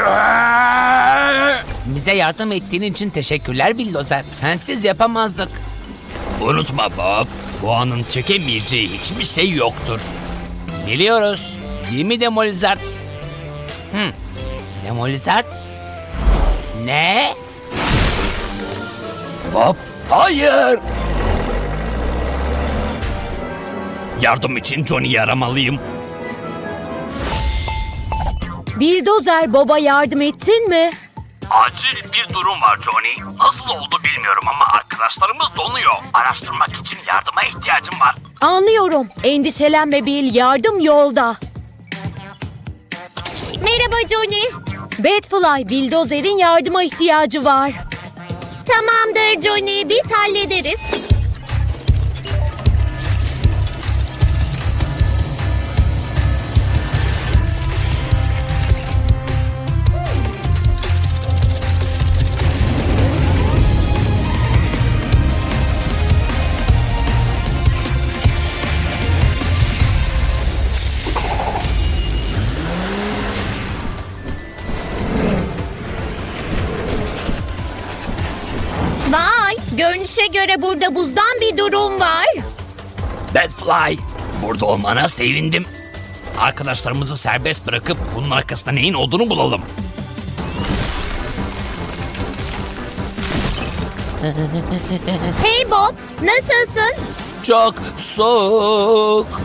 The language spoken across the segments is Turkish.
Bize yardım ettiğin için teşekkürler Bildozer. Sensiz yapamazdık. Unutma Bob, Boğa'nın çekemeyeceği hiçbir şey yoktur. Biliyoruz. Değil mi Demolizard? Demolizard? Ne? Bob, hayır! Yardım için Johnny'yi aramalıyım. Bildozer, Bob'a yardım ettin mi? Acil bir durum var Johnny. Nasıl oldu bilmiyorum ama arkadaşlarımız donuyor. Araştırmak için yardıma ihtiyacım var. Anlıyorum. Endişelenme Bill, yardım yolda. Merhaba Johnny. Batfly, Bildozer'in yardıma ihtiyacı var. Tamamdır Johnny, biz hallederiz. Vay, görünüşe göre burada buzdan bir durum var. Batfly, burada olmana sevindim. Arkadaşlarımızı serbest bırakıp bunun arkasında neyin olduğunu bulalım. Hey Bob, nasılsın? Çok soğuk.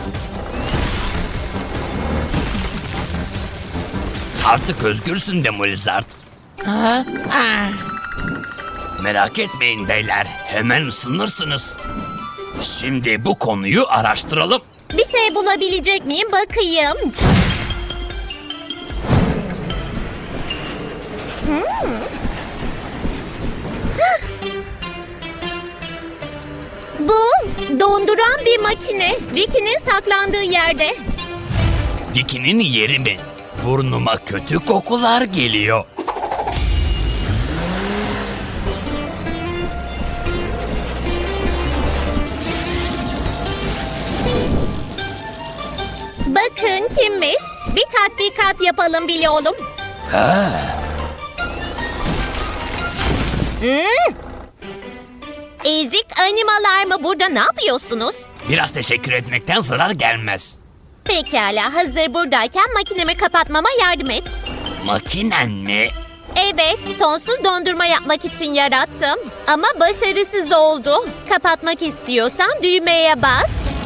Artık özgürsün Demolizard. Merak etmeyin beyler, hemen ısınırsınız. Şimdi bu konuyu araştıralım. Bir şey bulabilecek miyim bakayım. Bu donduran bir makine. Vicky'nin saklandığı yerde. Vicky'nin yeri mi? Burnuma kötü kokular geliyor. Bakın kimmiş? Bir tatbikat yapalım bile oğlum. Ezik animalar mı? Burada ne yapıyorsunuz? Biraz teşekkür etmekten zarar gelmez. Pekala, hazır buradayken makinemi kapatmama yardım et. Makinen mi? Evet, sonsuz dondurma yapmak için yarattım. Ama başarısız oldu. Kapatmak istiyorsan düğmeye bas.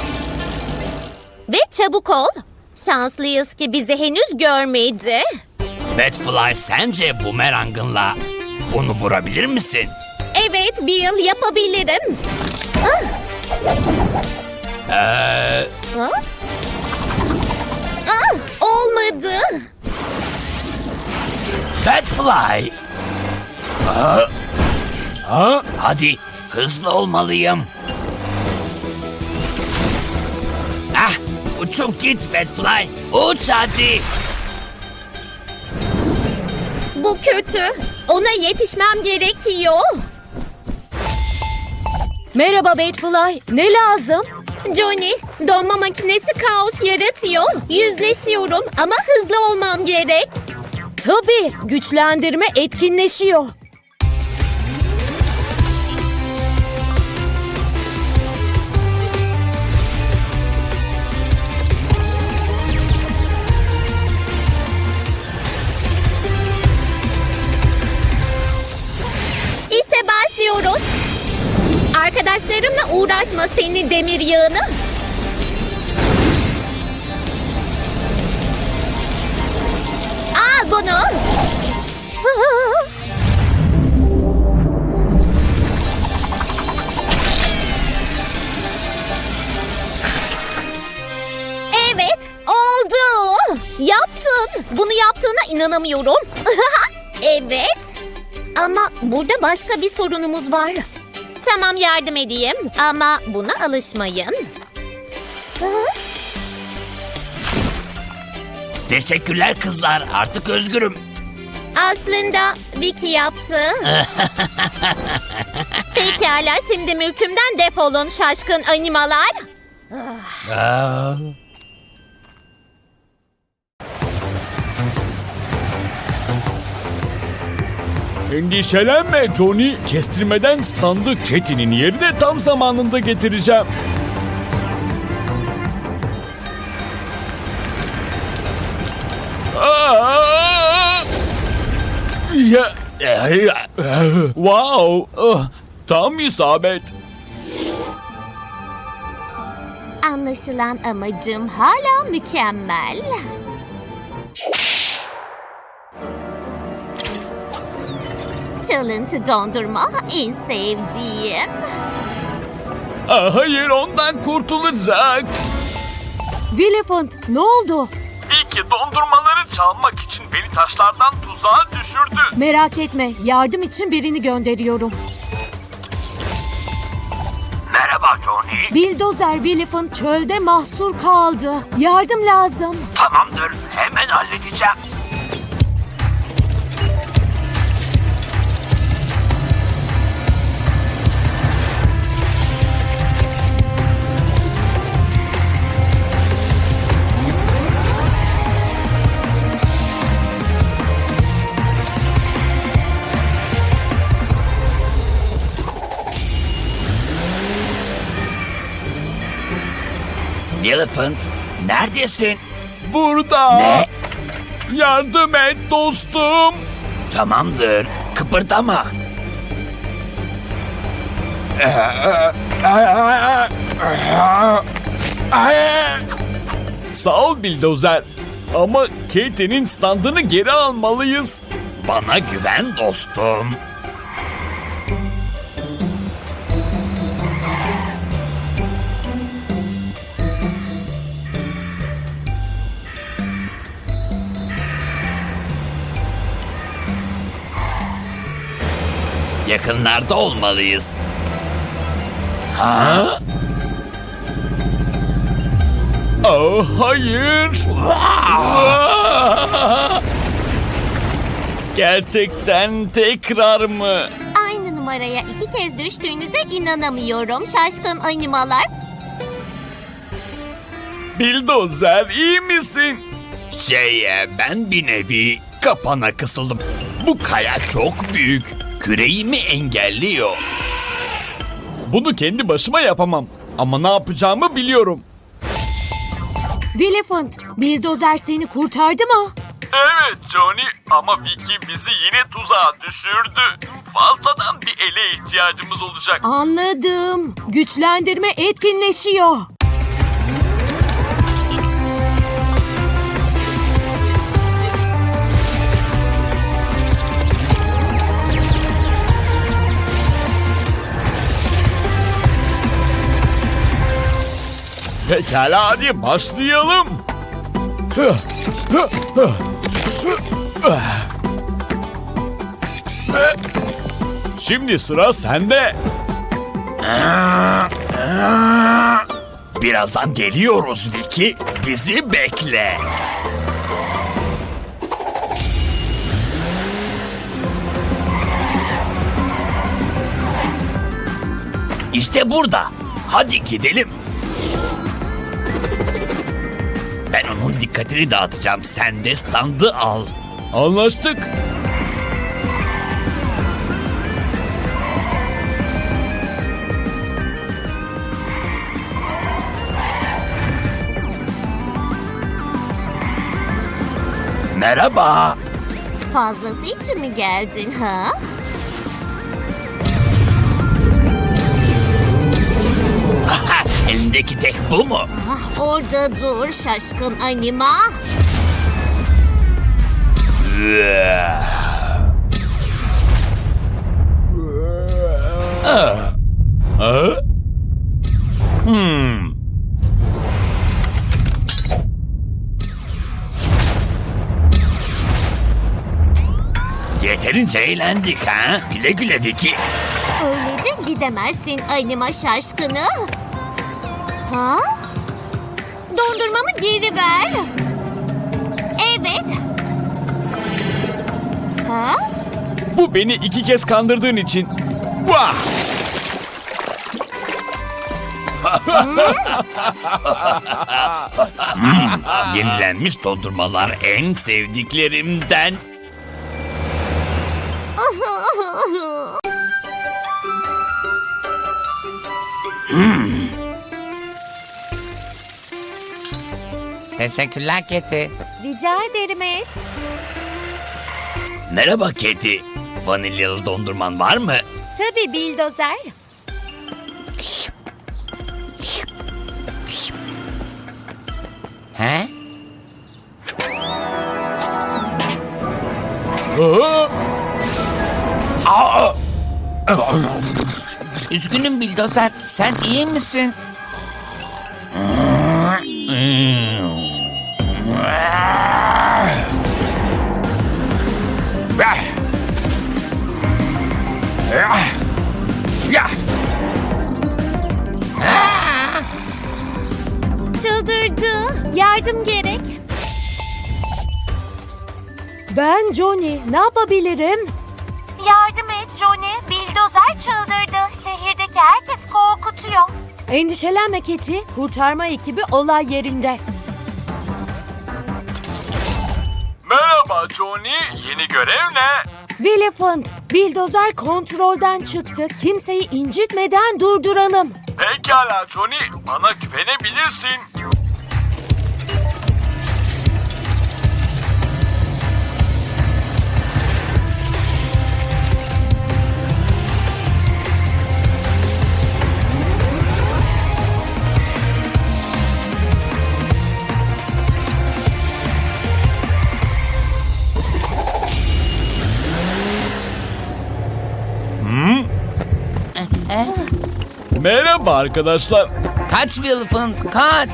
Ve çabuk ol. Şanslıyız ki bizi henüz görmedi. Batfly, sence bumerangınla onu vurabilir misin? Evet Bill, yapabilirim. Ah! Ha? Ah, olmadı. Batfly! Hadi, hızlı olmalıyım. Uçup git Batfly, uç hadi. Bu kötü. Ona yetişmem gerekiyor. Merhaba Batfly, ne lazım? Johnny, donma makinesi kaos yaratıyor. Yüzleşiyorum ama hızlı olmam gerek. Tabii, güçlendirme etkinleşiyor. İşte başlıyoruz. Arkadaşlarımla uğraşma seni demir yığını. Al bunu. Evet, oldu. Yaptın. Bunu yaptığına inanamıyorum. Evet. Ama burada başka bir sorunumuz var. Tamam, yardım edeyim ama buna alışmayın. Teşekkürler kızlar, artık özgürüm. Aslında Vicky yaptı. Pekala, şimdi mülkümden defolun şaşkın animalar. Endişelenme Johnny. Kestirmeden standı Katy'nin yerine tam zamanında getireceğim. Wow. Tam isabet. Anlaşılan amacım hala mükemmel. Çalıntı dondurma en sevdiğim. Hayır, ondan kurtulacak. Willifant, ne oldu? İyi ki dondurmaları çalmak için beni taşlardan tuzağa düşürdü. Merak etme, yardım için birini gönderiyorum. Merhaba Johnny. Bildozer Willifant çölde mahsur kaldı. Yardım lazım. Tamamdır, hemen halledeceğim. Elephant, neredesin? Burada. Ne? Yardım et dostum. Tamamdır, kıpırdama. Sağ ol Bildozer. Ama Katy'nin standını geri almalıyız. Bana güven dostum. Yakınlarda olmalıyız. Ha? Oh, hayır. Gerçekten tekrar mı? Aynı numaraya 2 kez düştüğünüze inanamıyorum şaşkın animalar. Bildozer, iyi misin? Ben bir nevi kapana kısıldım. Bu kaya çok büyük. Küreğimi engelliyor. Bunu kendi başıma yapamam. Ama ne yapacağımı biliyorum. Willifant, Bildozer seni kurtardı mı? Evet Johnny, ama Vicky bizi yine tuzağa düşürdü. Fazladan bir ele ihtiyacımız olacak. Anladım. Güçlendirme etkinleşiyor. Pekala, hadi başlayalım. Şimdi sıra sende. Birazdan geliyoruz Vicky. Bizi bekle. İşte burada. Hadi gidelim. Ben onun dikkatini dağıtacağım. Sen de standı al. Anlaştık. Merhaba. Fazlası için mi geldin ha? Elindeki tek bu mu? Ah, orada dur şaşkın anima. Yeterince eğlendik ha? Güle güle Vicky. Öyle de gidemezsin anima şaşkını. Ha? Dondurmamı geri ver. Evet. Ha? Bu beni 2 kez kandırdığın için. Vah! Yenilenmiş dondurmalar en sevdiklerimden. Teşekkürler Keti. Rica ederim et. Merhaba Keti. Vanilyalı dondurman var mı? Tabii Bildozer. He? Üzgünüm Bildozer. Sen iyi misin? Çıldırdı. Yardım gerek. Ben Johnny. Ne yapabilirim? Yardım et Johnny. Bildozer çıldırdı. Şehirdeki herkes korkutuyor. Endişelenme Keti. Kurtarma ekibi olay yerinde. Merhaba Johnny. Yeni görev ne? Willifant, bildozer kontrolden çıktı. Kimseyi incitmeden durduralım. Pekala Johnny. Bana güvenebilirsin. Merhaba arkadaşlar. Kaç Willifant, kaç!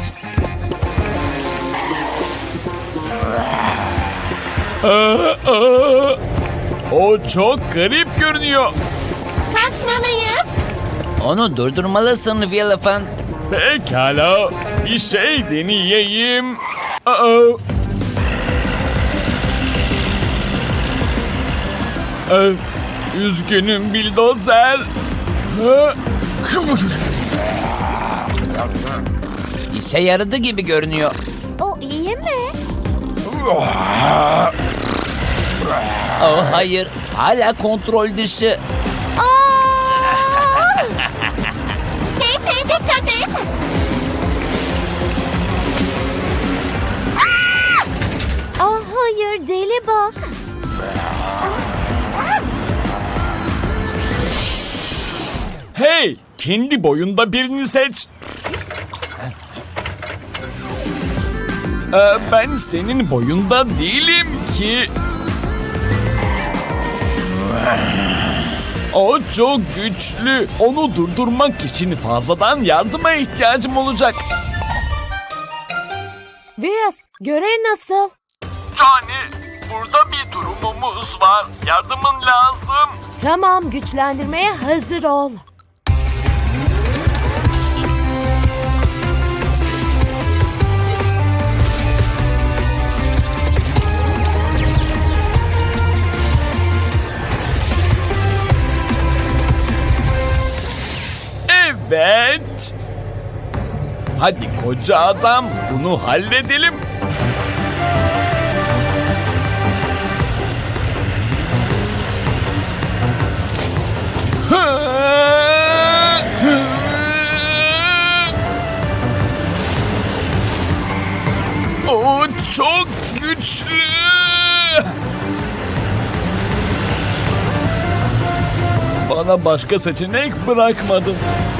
O çok garip görünüyor. Kaçmalıyız. Onu durdurmalısın Willifant. Pekala. Bir şey deneyeyim. Üzgünüm Bildozer. İşe yaradı gibi görünüyor. O iyi mi? Oh hayır, hala kontrol dışı. Hey dikkat et. Ah hayır deli bak. Hey, kendi boyunda birini seç. Ben senin boyunda değilim ki. O çok güçlü. Onu durdurmak için fazladan yardıma ihtiyacım olacak. Vias, görev nasıl? Johnny, burada bir durumumuz var. Yardımın lazım. Tamam, güçlendirmeye hazır ol. Evet. Hadi koca adam, bunu halledelim. O çok güçlü. Bana başka seçenek bırakmadın.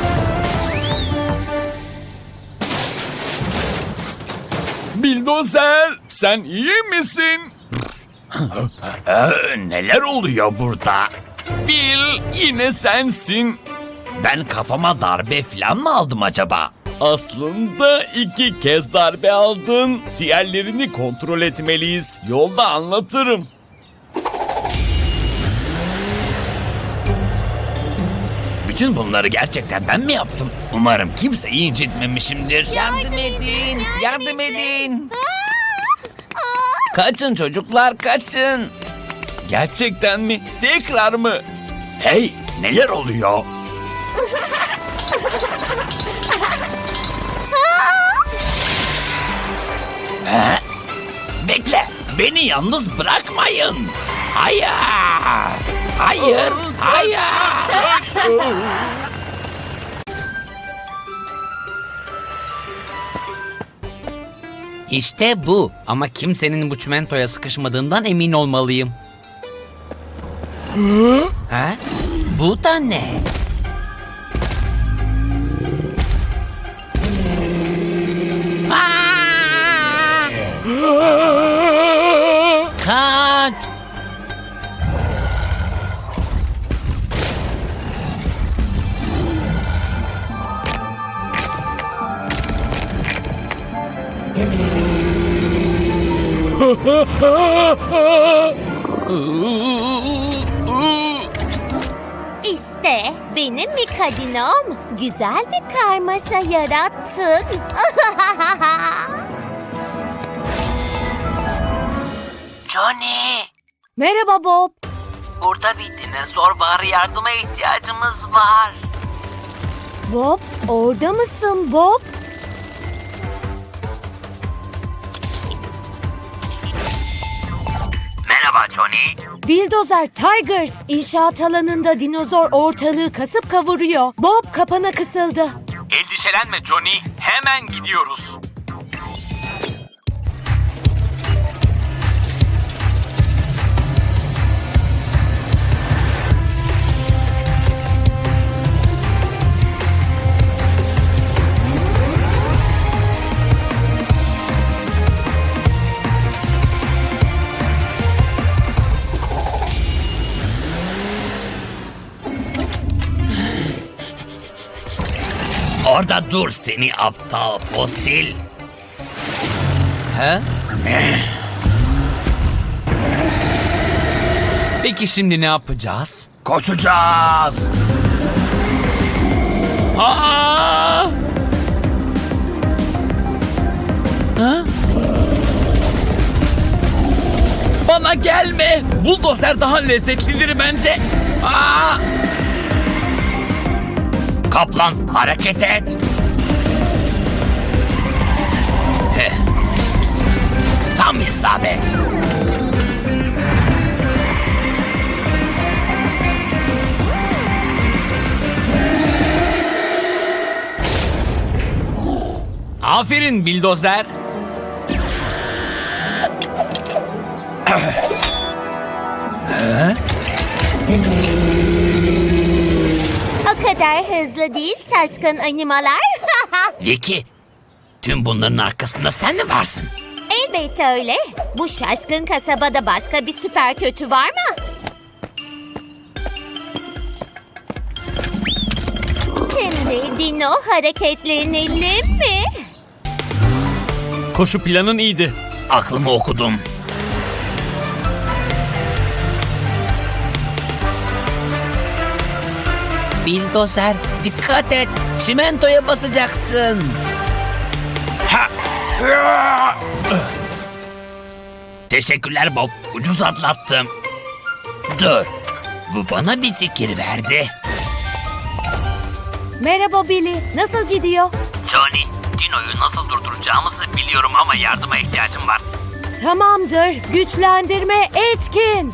Bildozer, sen iyi misin? Neler oluyor burada? Bil, yine sensin. Ben kafama darbe falan mı aldım acaba? Aslında 2 kez darbe aldın. Diğerlerini kontrol etmeliyiz. Yolda anlatırım. Bütün bunları gerçekten ben mi yaptım? Umarım kimseyi incitmemişimdir. Yardım edin, yardım edin. Kaçın çocuklar, kaçın. Gerçekten mi? Tekrar mı? Hey, neler oluyor? Ha? Bekle, beni yalnız bırakmayın. Hayır. Hayır, hayır. İşte bu. Ama kimsenin bu çimentoya sıkışmadığından emin olmalıyım. Ha? Bu da ne? Aa! Kaç! İşte benim Mikadinom. Güzel bir karmaşa yarattın. Johnny! Merhaba Bob. Burada bir dinozor var. Yardıma ihtiyacımız var. Bob, orada mısın Bob? Merhaba Johnny. Bildozer Tigers inşaat alanında dinozor ortalığı kasıp kavuruyor. Bob kapana kısıldı. Endişelenme Johnny. Hemen gidiyoruz. Orada dur seni aptal fosil. Ha? Peki şimdi ne yapacağız? Koşacağız. Aa! Ha? Bana gelme. Buldozer daha lezzetlidir bence. Aa! Kaplan hareket et. Heh. Tam isabet. Aferin Bildozer. O kadar hızlı değil şaşkın animalar. Vicky, tüm bunların arkasında sen mi varsın? Elbette öyle. Bu şaşkın kasabada başka bir süper kötü var mı? Şimdi Dino hareketlenelim mi? Koşu planın iyiydi. Aklımı okudum. Bildozer dikkat et. Çimentoya basacaksın. Ha! Teşekkürler Bob. Ucuz atlattım. Dur. Bu bana bir fikir verdi. Merhaba Billy. Nasıl gidiyor? Johnny, Dino'yu nasıl durduracağımızı biliyorum ama yardıma ihtiyacım var. Tamamdır. Güçlendirme etkin.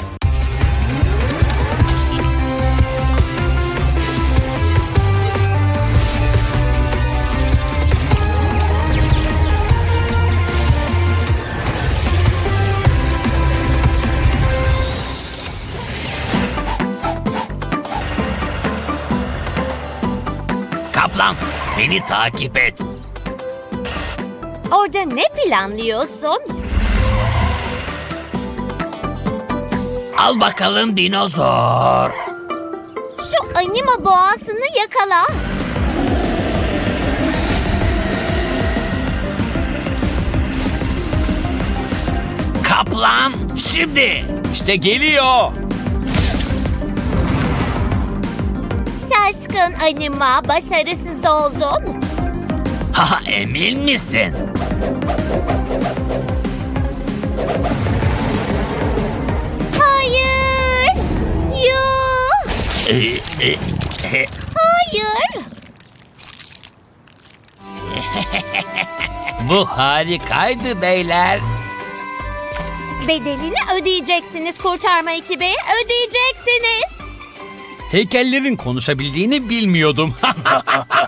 Kaplan, beni takip et. Orada ne planlıyorsun? Al bakalım dinozor. Şu anima boğasını yakala. Kaplan, şimdi. İşte geliyor. Şaşkın anima başarısız oldum. Ha, emin misin? Hayır. Yuh. Hayır. Bu harikaydı beyler. Bedelini ödeyeceksiniz kurtarma ekibi. Ödeyeceksiniz. Heykellerin konuşabildiğini bilmiyordum.